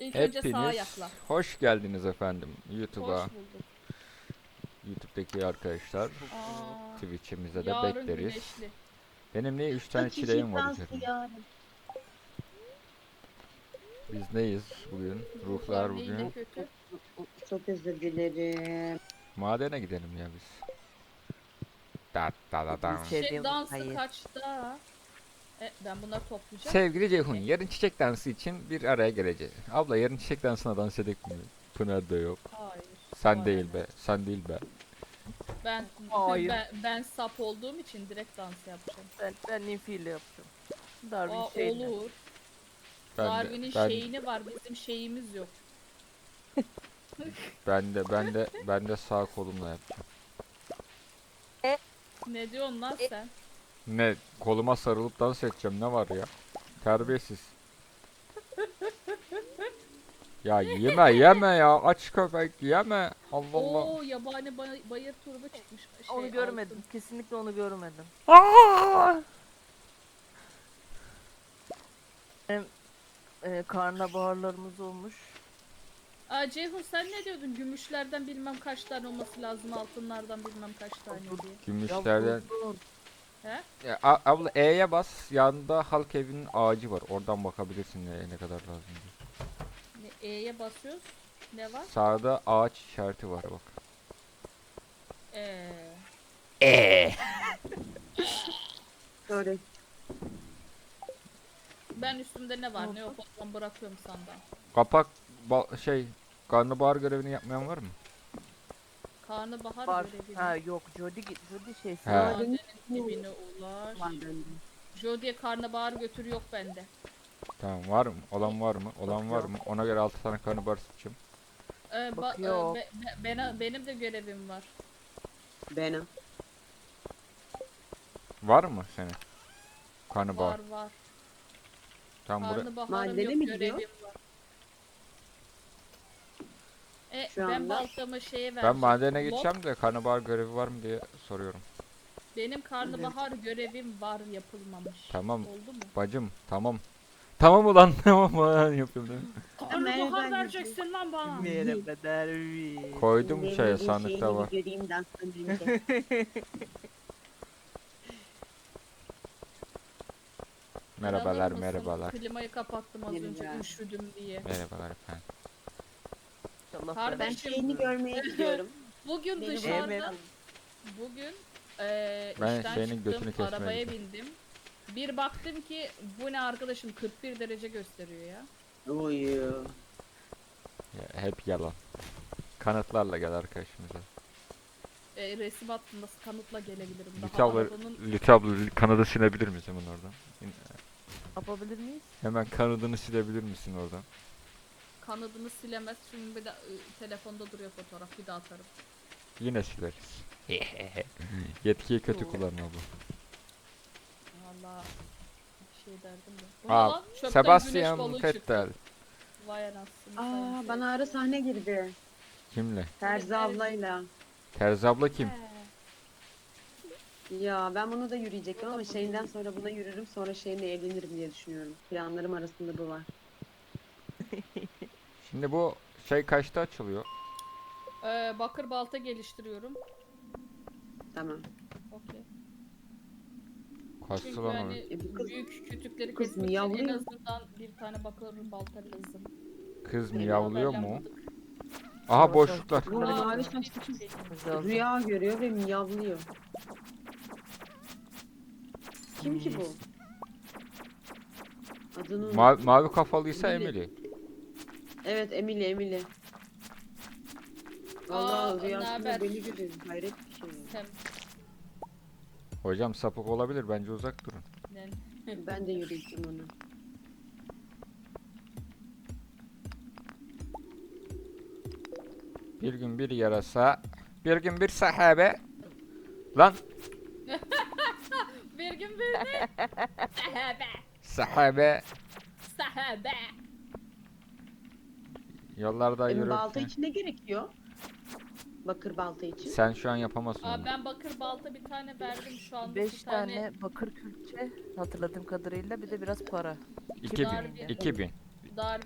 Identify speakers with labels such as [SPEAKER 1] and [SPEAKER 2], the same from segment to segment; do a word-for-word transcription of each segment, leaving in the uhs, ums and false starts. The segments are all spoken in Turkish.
[SPEAKER 1] İlk önce sağa
[SPEAKER 2] Hepiniz
[SPEAKER 1] yakla.
[SPEAKER 2] hoş geldiniz efendim YouTube'a.
[SPEAKER 1] Hoş bulduk.
[SPEAKER 2] YouTube'daki arkadaşlar
[SPEAKER 1] Aa,
[SPEAKER 2] Twitch'imize de
[SPEAKER 1] yarın
[SPEAKER 2] bekleriz.
[SPEAKER 1] güneşli.
[SPEAKER 2] Benim niye üç tane
[SPEAKER 3] Çok
[SPEAKER 2] çileğim
[SPEAKER 3] çiçek
[SPEAKER 2] var
[SPEAKER 3] dansı
[SPEAKER 2] üzerimde?
[SPEAKER 3] yarın.
[SPEAKER 2] Biz neyiz bugün? Ruhlar
[SPEAKER 1] Ruhlar neyi
[SPEAKER 2] bugün.
[SPEAKER 1] ne kötü?
[SPEAKER 3] Çok özür dilerim.
[SPEAKER 2] Madene gidelim ya biz. Da da da da.
[SPEAKER 4] Şey
[SPEAKER 1] Şey
[SPEAKER 4] diyorum,
[SPEAKER 1] dansı
[SPEAKER 4] hayır.
[SPEAKER 1] kaçta? E, ben bunları toplayacağım.
[SPEAKER 2] Sevgili Ceyhun, yarın çiçek dansı için bir araya geleceğiz. Abla yarın çiçek dansına dans edek mi? Pınar da yok.
[SPEAKER 1] Hayır.
[SPEAKER 2] Sen
[SPEAKER 1] Bana
[SPEAKER 2] değil
[SPEAKER 1] ne?
[SPEAKER 2] be, sen değil be.
[SPEAKER 1] Ben,
[SPEAKER 4] Hayır.
[SPEAKER 1] ben ben sap olduğum için direkt dans yapacağım.
[SPEAKER 4] Ben, ben ninfiyle yapacağım. Darwin
[SPEAKER 1] Aa,
[SPEAKER 4] şeyle.
[SPEAKER 1] olur.
[SPEAKER 2] Ben
[SPEAKER 1] Darwin'in
[SPEAKER 2] de, ben,
[SPEAKER 1] şeyini var, bizim şeyimiz yok.
[SPEAKER 2] ben de, ben de, ben de sağ kolumla yapacağım.
[SPEAKER 1] Ne diyorsun lan sen?
[SPEAKER 2] Ne, koluma sarılıp dans edeceğim, ne var ya? Terbiyesiz. Ya yeme yeme ya, aç köpek yeme. Allah Allah.
[SPEAKER 1] Oo, yabani bay- bayır turbu çıkmış. Şey,
[SPEAKER 4] Onu görmedim.
[SPEAKER 1] altın.
[SPEAKER 4] Kesinlikle onu görmedim.
[SPEAKER 2] Aa!
[SPEAKER 4] Hem e, karnabaharlarımız olmuş.
[SPEAKER 1] Aa, Ceyhun sen ne diyordun? Gümüşlerden bilmem kaç tane olması lazım, altınlardan bilmem kaç tane diye.
[SPEAKER 2] Gümüşlerden.
[SPEAKER 4] buldum.
[SPEAKER 1] He?
[SPEAKER 2] Ya, a- abla E'ye bas. Yanında halk evinin ağacı var. Oradan bakabilirsin ne, ne kadar lazım diye.
[SPEAKER 1] Ne, E'ye basıyoruz. Ne var?
[SPEAKER 2] Sağda ağaç işareti var bak.
[SPEAKER 1] Ee,
[SPEAKER 2] E.
[SPEAKER 3] Sorry.
[SPEAKER 1] ben üstümde ne var ne yok o zaman bırakıyorum sandan.
[SPEAKER 2] Kapak ba- şey karnabahar görevini yapmayan var mı?
[SPEAKER 1] Karnabahar
[SPEAKER 4] Var.
[SPEAKER 1] görevi.
[SPEAKER 4] Ha yok Jody Jody şeysi.
[SPEAKER 2] He.
[SPEAKER 4] var.
[SPEAKER 1] Madenin dibine ulaş.
[SPEAKER 3] Var bende.
[SPEAKER 1] Jody'ye karnabahar götür yok bende.
[SPEAKER 2] Tamam, var mı? Olan var mı? Olan
[SPEAKER 4] Yok,
[SPEAKER 2] var
[SPEAKER 4] yok.
[SPEAKER 2] mı? Ona göre altı tane karnabahar seçeceğim.
[SPEAKER 1] Ee, ba-
[SPEAKER 4] Bakıyor.
[SPEAKER 1] e, be- be- bena- benim de görevim var.
[SPEAKER 3] Benim.
[SPEAKER 2] Var mı senin? Karnabahar.
[SPEAKER 1] Var var.
[SPEAKER 2] Tamam buraya.
[SPEAKER 1] Karnabaharım
[SPEAKER 3] Madene
[SPEAKER 1] yok
[SPEAKER 3] mi gidiyor?
[SPEAKER 1] görevim var. E,
[SPEAKER 3] Şu
[SPEAKER 1] ben
[SPEAKER 3] anda-
[SPEAKER 1] baltamı şeye vereceğim.
[SPEAKER 2] Ben madene
[SPEAKER 1] Lok,
[SPEAKER 2] gideceğim de karnabahar görevi var mı diye soruyorum.
[SPEAKER 1] benim karnabahar görevim var yapılmamış.
[SPEAKER 2] Tamam.
[SPEAKER 1] Oldu mu?
[SPEAKER 2] Bacım tamam. Tamam ulan tamam ulan yapıyorum değil mi?
[SPEAKER 1] Karnabahar
[SPEAKER 3] Merhaba,
[SPEAKER 1] vereceksin lan bana.
[SPEAKER 4] Merhaba Darwin.
[SPEAKER 2] Koydum
[SPEAKER 3] Benim
[SPEAKER 2] şeye
[SPEAKER 3] bir
[SPEAKER 2] sandıkta
[SPEAKER 3] şeyini
[SPEAKER 2] var.
[SPEAKER 3] bir göreyim danstan önce.
[SPEAKER 2] Merhabalar
[SPEAKER 1] İnanır mısın?
[SPEAKER 2] merhabalar.
[SPEAKER 1] Klimayı kapattım az önce
[SPEAKER 3] Merhaba.
[SPEAKER 1] üşüdüm diye.
[SPEAKER 2] Merhabalar efendim.
[SPEAKER 4] İnşallah
[SPEAKER 1] Kardeşim.
[SPEAKER 3] Ben şeyini görmeye gidiyorum.
[SPEAKER 1] Bugün
[SPEAKER 3] Beni
[SPEAKER 1] dışarıda,
[SPEAKER 4] bırakın.
[SPEAKER 1] bugün eee
[SPEAKER 2] Ben
[SPEAKER 1] işten
[SPEAKER 2] senin
[SPEAKER 1] çıktım,
[SPEAKER 2] götünü kesmeye
[SPEAKER 1] arabaya
[SPEAKER 2] gidiyorum.
[SPEAKER 1] bindim. Bir baktım ki bu ne arkadaşım kırk bir derece gösteriyor ya.
[SPEAKER 3] Oy.
[SPEAKER 2] Ya, hep yalan. Kanıtlarla gel arkadaşımıza.
[SPEAKER 1] E, resim attım nasıl kanıtla gelebilirim. Daha
[SPEAKER 2] Lütfen abla,
[SPEAKER 1] arabanın
[SPEAKER 2] Lütfen abla kanadı silebilir misin hemen oradan?
[SPEAKER 4] Yapabilir miyiz?
[SPEAKER 2] Hemen kanadını silebilir misin oradan?
[SPEAKER 1] kanadını silemez çünkü bir de e, telefonda duruyor fotoğraf bir daha atarım.
[SPEAKER 2] Yine sileriz. Yetkiyi kötü kullanma bu.
[SPEAKER 1] Valla bir şey derdim de. Bu ne
[SPEAKER 2] Aa,
[SPEAKER 1] lan? Çöpten güneş
[SPEAKER 2] Sebastian
[SPEAKER 1] balığı çıktı.
[SPEAKER 2] Vettel.
[SPEAKER 1] Vay anasını.
[SPEAKER 3] Aa
[SPEAKER 1] sayın
[SPEAKER 3] bana ara sahne girdi.
[SPEAKER 2] Kimle?
[SPEAKER 3] Terzi ablayla.
[SPEAKER 2] Terzi abla kim?
[SPEAKER 1] He.
[SPEAKER 3] Ya ben bunu da yürüyecektim ama şeyinden sonra buna yürürüm sonra şeyinle evlenirim diye düşünüyorum. Planlarım arasında bu var.
[SPEAKER 2] Şimdi bu şey kaçta açılıyor?
[SPEAKER 1] Ee, bakır balta geliştiriyorum.
[SPEAKER 3] Tamam.
[SPEAKER 1] Okey.
[SPEAKER 2] Kaçtı
[SPEAKER 1] Çünkü
[SPEAKER 2] lan o?
[SPEAKER 1] hani
[SPEAKER 3] E, bu kız-
[SPEAKER 1] büyük kütükleri
[SPEAKER 3] kız
[SPEAKER 1] kesmek için en
[SPEAKER 3] miyavlıyor.
[SPEAKER 1] azından bir tane bakır balta lazım.
[SPEAKER 2] Kız
[SPEAKER 3] Benim
[SPEAKER 2] miyavlıyor
[SPEAKER 1] haberle
[SPEAKER 2] mu?
[SPEAKER 1] yaptık.
[SPEAKER 2] Aha
[SPEAKER 4] Sonra
[SPEAKER 2] boşluklar.
[SPEAKER 4] sonra-
[SPEAKER 3] Bu
[SPEAKER 4] Bunları
[SPEAKER 3] mavi
[SPEAKER 4] getirmemiz
[SPEAKER 3] saçlı kız
[SPEAKER 4] lazım.
[SPEAKER 3] rüya görüyor ve miyavlıyor. Kim ki bu? Adını
[SPEAKER 2] Ma
[SPEAKER 3] unuttum.
[SPEAKER 2] mavi kafalıysa
[SPEAKER 3] Emily.
[SPEAKER 2] Emily.
[SPEAKER 3] Evet Emily Emily.
[SPEAKER 1] Aa,
[SPEAKER 3] Vallahi
[SPEAKER 1] naber?
[SPEAKER 3] rüyasında beni görüyor. Hayret bir şey.
[SPEAKER 1] Sen
[SPEAKER 2] Hocam sapık olabilir, bence uzak durun.
[SPEAKER 1] ne?
[SPEAKER 3] Ben de yürüyeceğim onu.
[SPEAKER 2] Bir gün bir yarasa, bir gün bir sahabe. Lan
[SPEAKER 1] Bir gün bir de sahabe.
[SPEAKER 2] sahabe
[SPEAKER 1] Sahabe.
[SPEAKER 2] yollarda
[SPEAKER 3] E, balta
[SPEAKER 2] yürürken.
[SPEAKER 3] için ne gerekiyor? Bakır balta için.
[SPEAKER 2] Sen şu an yapamazsın
[SPEAKER 1] Aa,
[SPEAKER 2] onu.
[SPEAKER 1] ben bakır balta bir tane verdim şu anda.
[SPEAKER 4] Beş
[SPEAKER 1] bir tane,
[SPEAKER 4] tane bakır külçe hatırladığım kadarıyla bir de biraz para.
[SPEAKER 2] iki bin.
[SPEAKER 1] Darwin.
[SPEAKER 2] iki bin.
[SPEAKER 1] Darwin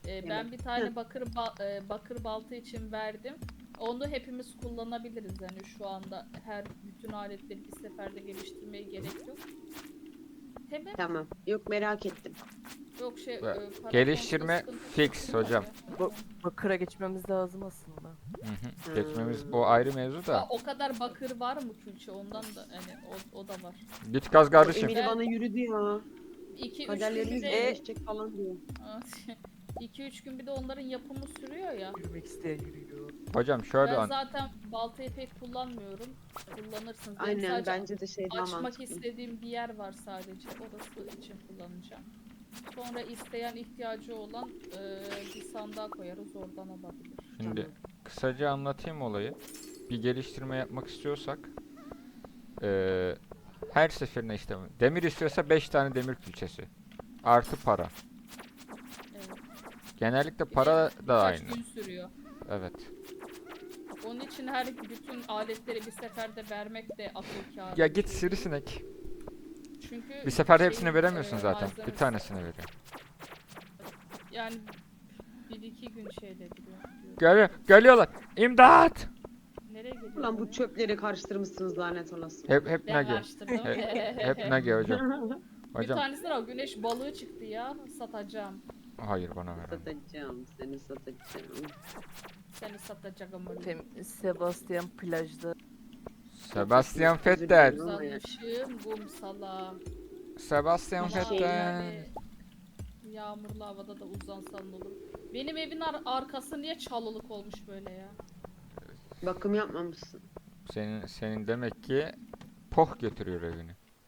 [SPEAKER 1] Ee, ben
[SPEAKER 3] Evet.
[SPEAKER 1] bir tane bakır ba- e, bakır balta için verdim. Onu hepimiz kullanabiliriz yani şu anda her bütün aletleri bir seferde geliştirmeye gerek yok. Tamam.
[SPEAKER 3] Tamam. Yok merak ettim.
[SPEAKER 1] Yok şey
[SPEAKER 2] Ve
[SPEAKER 1] e, para
[SPEAKER 2] geliştirme
[SPEAKER 1] konusunda sıkıntı
[SPEAKER 2] fix
[SPEAKER 1] çekilmiyor
[SPEAKER 2] hocam.
[SPEAKER 1] ya.
[SPEAKER 4] Bu- Bakıra geçmemiz lazım aslında.
[SPEAKER 2] Hı hı. Geçmemiz o ayrı mevzu
[SPEAKER 1] Aa,
[SPEAKER 2] da.
[SPEAKER 1] o kadar bakır var mı külçe ondan da hani o, o da var.
[SPEAKER 2] Git kaz kardeşim.
[SPEAKER 3] Emir bana yürüdü ya.
[SPEAKER 1] iki üç gün
[SPEAKER 3] Kaderlerimiz
[SPEAKER 1] bir de
[SPEAKER 3] birleşecek falan diyor.
[SPEAKER 1] iki üç gün bir de onların yapımı sürüyor ya.
[SPEAKER 4] Yürümek isteyen yürüyor.
[SPEAKER 2] Hocam şöyle
[SPEAKER 1] Ben
[SPEAKER 2] an.
[SPEAKER 1] zaten baltayı pek kullanmıyorum. Kullanırsınız. Benim
[SPEAKER 3] Aynen
[SPEAKER 1] sadece
[SPEAKER 3] bence de şey daha
[SPEAKER 1] açmak
[SPEAKER 3] mantıklı.
[SPEAKER 1] istediğim bir yer var sadece. Orası için kullanacağım. Sonra isteyen ihtiyacı olan e, bir sandığa koyarız oradan alabilir.
[SPEAKER 2] Şimdi
[SPEAKER 3] Tamam.
[SPEAKER 2] kısaca anlatayım olayı. Bir geliştirme yapmak istiyorsak eee, her seferinde işte demir istiyorsa beş tane demir külçesi. Artı para.
[SPEAKER 1] Evet.
[SPEAKER 2] Genellikle
[SPEAKER 1] Bir de
[SPEAKER 2] para da
[SPEAKER 1] birkaç
[SPEAKER 2] aynı.
[SPEAKER 1] gün sürüyor.
[SPEAKER 2] Evet.
[SPEAKER 1] Onun için her bütün aletleri bir seferde vermek de akıl kârı.
[SPEAKER 2] Ya git sivrisinek.
[SPEAKER 1] Çünkü
[SPEAKER 2] Bir seferde
[SPEAKER 1] şeyin,
[SPEAKER 2] hepsini veremiyorsun
[SPEAKER 1] e,
[SPEAKER 2] zaten. Bir
[SPEAKER 1] malzemesi-
[SPEAKER 2] tanesini veriyor.
[SPEAKER 1] Yani bir iki gün şeyde gidiyor. diyor.
[SPEAKER 2] Geliyor, geliyorlar. İmdat!
[SPEAKER 1] Nereye geliyor?
[SPEAKER 3] Ulan bu
[SPEAKER 1] ya?
[SPEAKER 3] çöpleri karıştırmışsınız lanet olası.
[SPEAKER 2] Hep hep
[SPEAKER 1] Ben
[SPEAKER 2] nage.
[SPEAKER 1] karıştırdım.
[SPEAKER 2] Hep, hep nage hocam.
[SPEAKER 1] Bir
[SPEAKER 2] Hocam
[SPEAKER 1] tanesinden o güneş balığı çıktı ya. Satacağım.
[SPEAKER 2] hayır bana ver.
[SPEAKER 3] Satacağım seni satacağım.
[SPEAKER 1] Seni satacağım öyle.
[SPEAKER 4] Tem Sebastian plajda.
[SPEAKER 2] Sebastian
[SPEAKER 3] Özür
[SPEAKER 2] Vettel.
[SPEAKER 3] dilerim.
[SPEAKER 1] Uzanmışım kumsala.
[SPEAKER 2] Sebastian
[SPEAKER 3] Bir şey
[SPEAKER 1] Ama
[SPEAKER 2] Vettel.
[SPEAKER 1] yani yağmurlu havada da uzansan ne olur. Benim evin ar- arkası niye çalılık olmuş böyle ya?
[SPEAKER 3] Bakım yapmamışsın.
[SPEAKER 2] Senin senin demek ki poh götürüyor evini.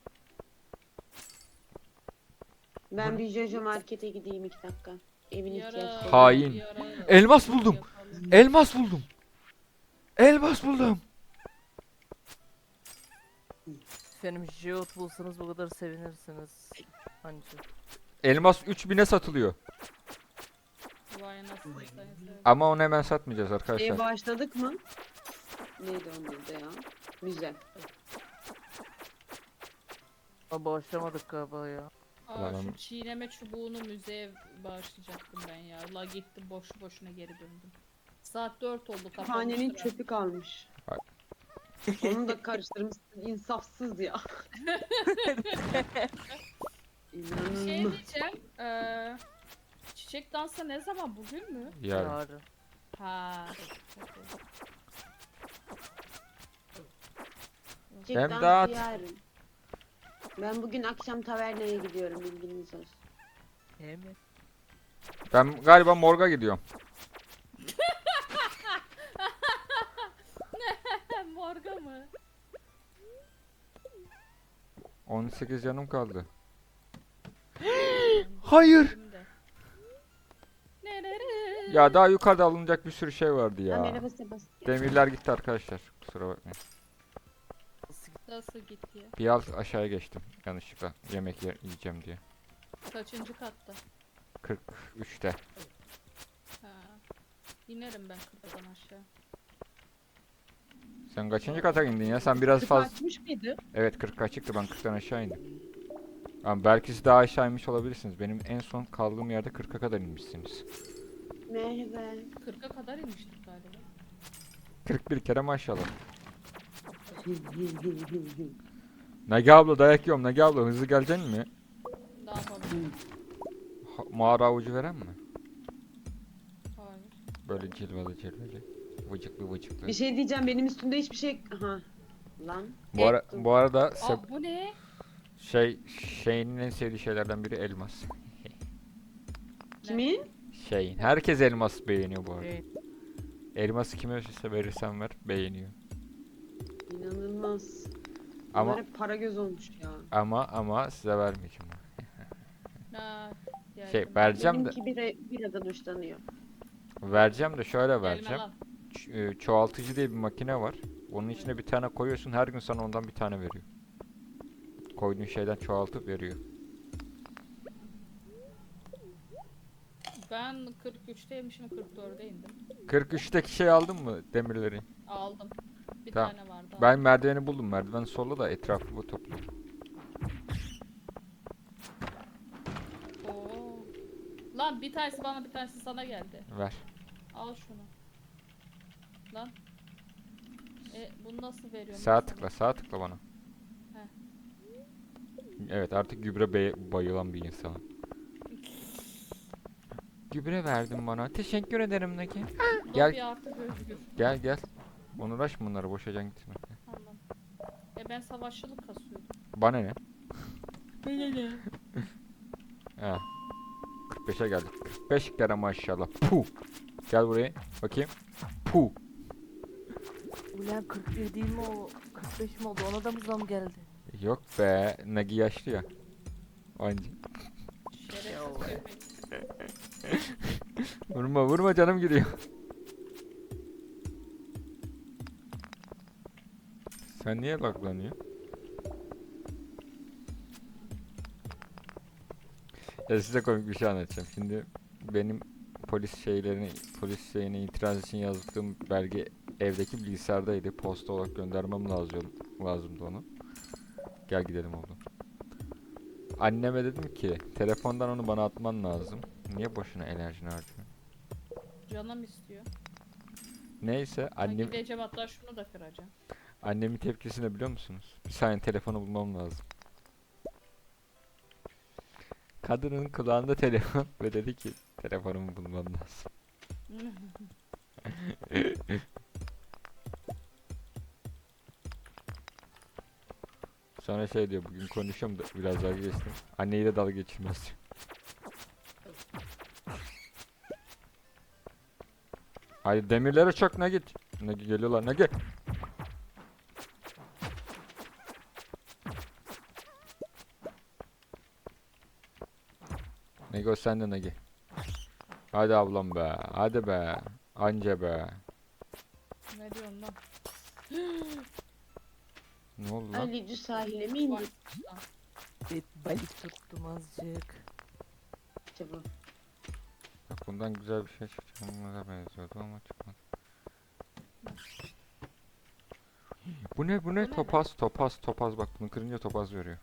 [SPEAKER 3] Ben bir Jojo markete gideyim iki dakika. Evin
[SPEAKER 1] Bir ara-
[SPEAKER 3] ihtiyaçları.
[SPEAKER 2] Hain.
[SPEAKER 1] bir ara-
[SPEAKER 2] Elmas buldum.
[SPEAKER 1] yapalım.
[SPEAKER 2] Elmas buldum. Elmas buldum.
[SPEAKER 4] Efendim Jeot bulsanız bu kadar sevinirsiniz. Anca.
[SPEAKER 2] Elmas üç bine satılıyor.
[SPEAKER 1] Vay anasını satayım.
[SPEAKER 2] Ama onu hemen satmayacağız
[SPEAKER 3] Şeye
[SPEAKER 2] arkadaşlar.
[SPEAKER 3] başladık mı? Neydi onun adı ya? Müze.
[SPEAKER 4] Ama başlamadık galiba ya.
[SPEAKER 1] Aa,
[SPEAKER 2] Ulan
[SPEAKER 1] şu
[SPEAKER 2] onu-
[SPEAKER 1] çiğneme çubuğunu müzeye bağışlayacaktım ben ya. La gittim boşu boşuna geri döndüm. Saat dört oldu kapanmıştır.
[SPEAKER 3] Hanenin
[SPEAKER 1] ha.
[SPEAKER 3] çöpü kalmış.
[SPEAKER 2] Ay.
[SPEAKER 3] Onu da karıştırmışsın. İnsafsız ya.
[SPEAKER 1] Bir şey
[SPEAKER 3] İnanılmaz.
[SPEAKER 1] diyeceğim. Ee, çiçek dansı ne zaman? Bugün mü?
[SPEAKER 2] Yarın.
[SPEAKER 4] Yarın.
[SPEAKER 1] Ha.
[SPEAKER 3] Çiçek
[SPEAKER 2] Hem
[SPEAKER 3] dansı
[SPEAKER 2] dağıt.
[SPEAKER 3] yarın. Ben bugün akşam tavernaya gidiyorum bilginiz olsun.
[SPEAKER 4] He mi?
[SPEAKER 2] Ben galiba morga gidiyorum.
[SPEAKER 1] Morga mı?
[SPEAKER 2] on sekiz canım kaldı. Hayır.
[SPEAKER 1] Şimdi. Nerere?
[SPEAKER 2] Ya daha yukarıda alınacak bir sürü şey vardı
[SPEAKER 3] Ha,
[SPEAKER 2] ya.
[SPEAKER 3] merhaba Sebastian.
[SPEAKER 2] Demirler gitti arkadaşlar. Kusura bakmayın.
[SPEAKER 4] Nasıl gitti?
[SPEAKER 1] Nasıl gitti ya?
[SPEAKER 2] Bir alt aşağıya geçtim yanlışlıkla. Yemek yer, yiyeceğim diye.
[SPEAKER 1] Kaçıncı katta?
[SPEAKER 2] kırk üçte.
[SPEAKER 1] Ha. İnerim ben kırktan aşağı.
[SPEAKER 2] Sen kaçıncı kata indin ya? Sen biraz fazla...
[SPEAKER 3] Açmış mıydı?
[SPEAKER 2] Evet kırka çıktı, ben kırktan aşağı indim. Ama belki siz daha aşağı inmiş olabilirsiniz. Benim en son kaldığım yerde kırka kadar inmişsiniz.
[SPEAKER 3] Merhaba.
[SPEAKER 1] kırka kadar inmiştik galiba.
[SPEAKER 2] kırk bir kere maşallah. Nagi abla dayak yiyorum. Nagi abla hızlı geleceksin mi?
[SPEAKER 1] Ne yapalım?
[SPEAKER 2] Ha, mağara avucu veren mi?
[SPEAKER 1] Hayır.
[SPEAKER 2] Böyle cilveli cilveli. Vıcıklı vıcıklı.
[SPEAKER 3] Bir şey diyeceğim benim üstümde hiçbir şey... Aha. Lan.
[SPEAKER 2] Bu, ara,
[SPEAKER 3] Ettim.
[SPEAKER 2] bu arada
[SPEAKER 1] Aa
[SPEAKER 2] sep-
[SPEAKER 1] bu ne?
[SPEAKER 2] şey şeyin en sevdiği şeylerden biri elmas.
[SPEAKER 3] Kimin?
[SPEAKER 2] Şeyin. Herkes elmas beğeniyor bu arada.
[SPEAKER 4] Evet.
[SPEAKER 2] Elması kime verirse verirsen ver beğeniyor.
[SPEAKER 3] İnanılmaz.
[SPEAKER 2] Ama
[SPEAKER 3] Bunlar hep para göz olmuş ya.
[SPEAKER 2] ama ama size vermeyeceğim.
[SPEAKER 1] Ha,
[SPEAKER 2] Şey
[SPEAKER 1] geldim.
[SPEAKER 2] vereceğim de
[SPEAKER 3] Benimki bir, biradan hoşlanıyor.
[SPEAKER 2] vereceğim de şöyle
[SPEAKER 1] Gelme
[SPEAKER 2] vereceğim.
[SPEAKER 1] lan.
[SPEAKER 2] Ç- e, çoğaltıcı diye bir makine var. Onun içine bir tane koyuyorsun, her gün sana ondan bir tane veriyor. Koyduğun şeyden çoğaltıp veriyor.
[SPEAKER 1] Ben kırk üçteymişim kırk dörde indim.
[SPEAKER 2] kırk üçteki şey aldın mı demirleri?
[SPEAKER 1] Aldım. Bir
[SPEAKER 2] Tamam.
[SPEAKER 1] tane vardı.
[SPEAKER 2] Ben
[SPEAKER 1] aldım.
[SPEAKER 2] merdiveni buldum. Merdiven solla da etrafı bu topluyorum.
[SPEAKER 1] Oo. Lan bir tanesi bana bir tanesi sana geldi.
[SPEAKER 2] Ver.
[SPEAKER 1] Al şunu. Lan. E bunu nasıl veriyorum?
[SPEAKER 2] Sağ
[SPEAKER 1] ben
[SPEAKER 2] tıkla, sağ tıkla bana.
[SPEAKER 1] Heh.
[SPEAKER 2] Evet, artık gübre bey- bayılan bir insanım. Gübre verdin bana. Teşekkür ederim Naki.
[SPEAKER 1] sana?
[SPEAKER 2] Gel.
[SPEAKER 1] Lobi artık özgür.
[SPEAKER 2] Gel gel. Uğraşma bunları, boşacan gitme.
[SPEAKER 1] Tamam. E ben savaşçılık kasıyordum.
[SPEAKER 2] Bana ne? Ha. kırk beşe geldik. kırk beş kere maşallah. Puh. Gel buraya. Bakayım. Puh.
[SPEAKER 4] Ulan kırk bir değil mi o? kırk beş mi oldu? Ona da mı zam geldi?
[SPEAKER 2] Yok be. Nagi yaşlı ya. Anca.
[SPEAKER 1] Şerefsiz köpek.
[SPEAKER 2] Vurma vurma, canım gidiyor. Sen niye laglanıyor? Ya size komik bir şey anlatacağım. Şimdi benim polis şeylerini, polis şeyine itiraz için yazdığım belge evdeki bilgisayardaydı. Posta olarak göndermem lazım, lazımdı onu. Gel gidelim oğlum. Anneme dedim ki telefondan onu bana atman lazım. Niye boşuna enerjini harcıyorsun?
[SPEAKER 1] Canım istiyor.
[SPEAKER 2] Neyse
[SPEAKER 1] Annem...
[SPEAKER 2] annem
[SPEAKER 1] Gideceğim hatta şunu da kıracağım.
[SPEAKER 2] annemin tepkisini biliyor musunuz? Bir saniye, telefonu bulmam lazım. Kadının kulağında telefon ve dedi ki telefonumu bulmam lazım. Sonra şey diyor, bugün konuşuyorum da biraz dalga geçtim. Anneyi de dalga geçirmez diyor. Hayır, demirlere çok ne git. Ne geliyorlar, ne gel. Nego sen de Negi. Hadi ablam be. Hadi be. Anca be.
[SPEAKER 1] Ne diyorsun lan?
[SPEAKER 2] Ne oldu lan?
[SPEAKER 3] Ali sahile mi indik
[SPEAKER 1] Bak,
[SPEAKER 4] Bir balık tuttum azıcık.
[SPEAKER 3] acaba?
[SPEAKER 2] Bak, bundan güzel bir şey çıkacağına benziyordu ama çıkmadı. Bu ne bu
[SPEAKER 1] Bu
[SPEAKER 2] ne?
[SPEAKER 1] ne be?
[SPEAKER 2] Topaz topaz topaz, bak bunu kırınca topaz veriyor.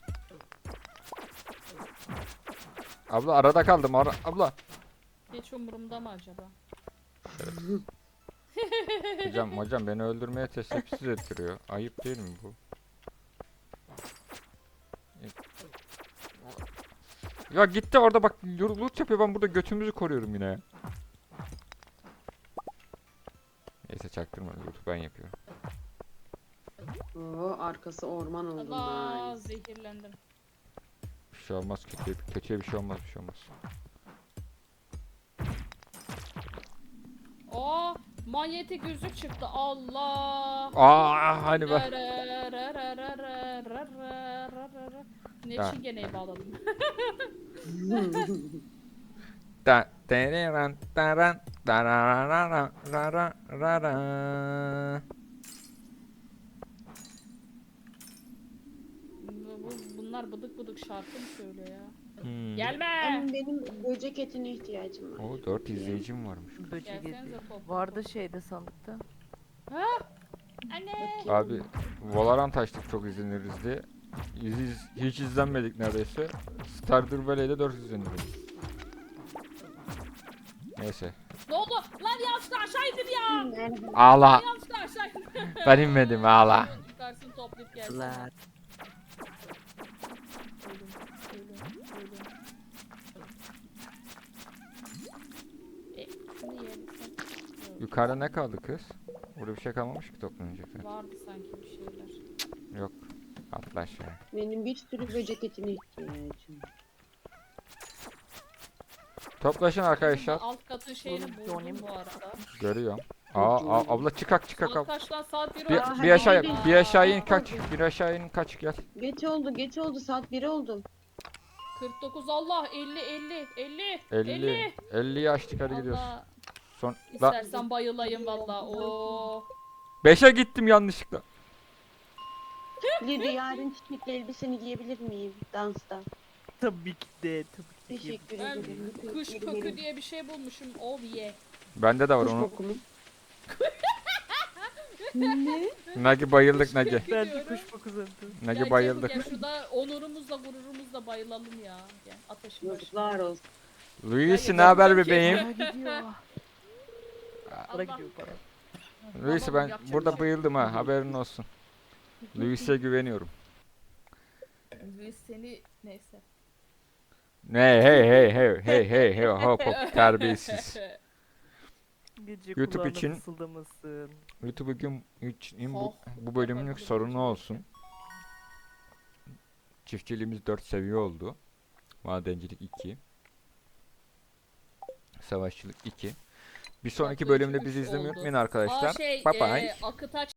[SPEAKER 2] Abla arada kaldım ara abla.
[SPEAKER 1] hiç umurumda mı acaba?
[SPEAKER 2] Hocam hocam beni öldürmeye teşebbüs ettiriyor. Ayıp değil mi bu? Ya gitti orada bak, loot yapıyor, ben burada götümüzü koruyorum yine ya. Neyse çaktırma, loot'u ben yapıyorum.
[SPEAKER 3] Oo, arkası orman oldu.
[SPEAKER 1] Allah,
[SPEAKER 3] Nice.
[SPEAKER 1] zehirlendim.
[SPEAKER 2] Bir şey olmaz, kötüye, kötüye bir şey olmaz, bir şey olmaz.
[SPEAKER 1] Oh, manyetik yüzük çıktı. Allah.
[SPEAKER 2] Aa hani be.
[SPEAKER 1] Ne
[SPEAKER 2] Ha.
[SPEAKER 1] çingeneyi bağladım.
[SPEAKER 2] Da dereran daran dararara rara rara.
[SPEAKER 1] Bu- bu- Bunlar bıdık bıdık şarkı mı söylüyor ya?
[SPEAKER 2] Hmm.
[SPEAKER 1] Gelme.
[SPEAKER 3] Ama benim böcek etine ihtiyacım var.
[SPEAKER 2] O dört izleyicim varmış.
[SPEAKER 4] Böcek
[SPEAKER 1] Gelsenize
[SPEAKER 4] yedi.
[SPEAKER 1] top.
[SPEAKER 4] Vardı şeyde sandıkta.
[SPEAKER 1] Anne.
[SPEAKER 2] Abi Valorant açtık çok izleniriz diye. İz, iz- hiç izlenmedik neredeyse. Stardew Valley'de dört izleniriz. Neyse.
[SPEAKER 1] Ne oldu? Lan yanlışlıkla aşağı indim ya.
[SPEAKER 3] Nerede?
[SPEAKER 2] Ağla.
[SPEAKER 1] Yanlışlıkla aşağı indim.
[SPEAKER 2] Ben inmedim, ağla.
[SPEAKER 1] Yukarısını toplayıp gelsin.
[SPEAKER 4] Lan.
[SPEAKER 1] Ölüm, ölüm, ölüm. E, şunu yiyelim sen. Yok,
[SPEAKER 2] Yukarıda ne kaldı kız? Burada bir şey kalmamış ki toplanacak.
[SPEAKER 1] vardı sanki bir şeyler.
[SPEAKER 2] Yok. Atla aşağı.
[SPEAKER 3] Benim bir sürü böcek etine ihtiyacım var.
[SPEAKER 2] Toplaşın arkadaşlar.
[SPEAKER 1] Alt katın şeyini
[SPEAKER 4] Oğlum,
[SPEAKER 1] buldum
[SPEAKER 4] Johnny.
[SPEAKER 1] bu arada.
[SPEAKER 2] Görüyorum. Aa, aa abla çıkak çıkak
[SPEAKER 1] Saat
[SPEAKER 2] abla.
[SPEAKER 1] kaç lan? Saat bir
[SPEAKER 2] Bir,
[SPEAKER 1] oldu.
[SPEAKER 3] hadi
[SPEAKER 2] bir aşağı
[SPEAKER 3] gelin.
[SPEAKER 2] bir aşağı in
[SPEAKER 1] Aa,
[SPEAKER 2] kaç. Bir aşağı in kaç, gel.
[SPEAKER 3] Geç oldu geç oldu saat bir oldu.
[SPEAKER 1] kırk dokuz Allah elli elli elli
[SPEAKER 2] elli. elliyi açtık, hadi gidiyoruz.
[SPEAKER 1] Allah.
[SPEAKER 2] Son la
[SPEAKER 1] İstersen bayılayım valla. Oo.
[SPEAKER 2] beşe gittim yanlışlıkla.
[SPEAKER 3] Lili yarın çiçekli elbiseni giyebilir miyim dansta?
[SPEAKER 4] Tabii ki de. Tabii ki de.
[SPEAKER 3] Teşekkür
[SPEAKER 1] Ben
[SPEAKER 3] ederim.
[SPEAKER 1] kış
[SPEAKER 3] Geri
[SPEAKER 1] kökü
[SPEAKER 3] verin.
[SPEAKER 1] diye bir şey bulmuşum. Oh yeah.
[SPEAKER 2] Bende de var
[SPEAKER 3] Kuş
[SPEAKER 2] onu.
[SPEAKER 3] koku mu? Ne?
[SPEAKER 2] Nagi bayıldık
[SPEAKER 1] Kış
[SPEAKER 2] Nagi.
[SPEAKER 1] kökü
[SPEAKER 4] Ben de
[SPEAKER 1] diyorum.
[SPEAKER 4] kuş kokusu.
[SPEAKER 2] Nagi
[SPEAKER 1] Gel
[SPEAKER 2] bayıldık.
[SPEAKER 1] Gel, gel şurada onurumuzla gururumuzla bayılalım ya. Gel ateşin başına.
[SPEAKER 3] Yazıklar olsun.
[SPEAKER 2] Luis
[SPEAKER 1] Hayır,
[SPEAKER 2] ne haber
[SPEAKER 1] yapacak şey
[SPEAKER 2] bebeğim?
[SPEAKER 1] yok.
[SPEAKER 4] Para gidiyor. Para
[SPEAKER 1] Allah.
[SPEAKER 4] gidiyor para.
[SPEAKER 2] Luis
[SPEAKER 1] Tamam,
[SPEAKER 2] ben
[SPEAKER 1] yapacak
[SPEAKER 2] burada
[SPEAKER 1] bir şey yok.
[SPEAKER 2] bayıldım ha, haberin olsun. Luis'e güveniyorum.
[SPEAKER 1] Luis seni neyse.
[SPEAKER 2] Ne hey hey hey hey hey hey hop hop terbiyesiz.
[SPEAKER 4] Gece
[SPEAKER 2] YouTube
[SPEAKER 4] kulağına
[SPEAKER 2] için-
[SPEAKER 4] fısıldamasın.
[SPEAKER 2] YouTube bugün için bu,
[SPEAKER 1] Oh,
[SPEAKER 2] bu bölümlük
[SPEAKER 1] yapabilirim
[SPEAKER 2] sorunu
[SPEAKER 1] hiç
[SPEAKER 2] olsun. Çiftçiliğimiz dört seviye oldu. Madencilik iki. Savaşçılık iki. Bir sonraki
[SPEAKER 1] Bakırcılık
[SPEAKER 2] bölümde bizi
[SPEAKER 1] üç
[SPEAKER 2] izlemeyi
[SPEAKER 1] oldu.
[SPEAKER 2] unutmayın
[SPEAKER 1] Aa
[SPEAKER 2] arkadaşlar.
[SPEAKER 1] şey,
[SPEAKER 2] Bye bye.
[SPEAKER 1] e, Akıtaç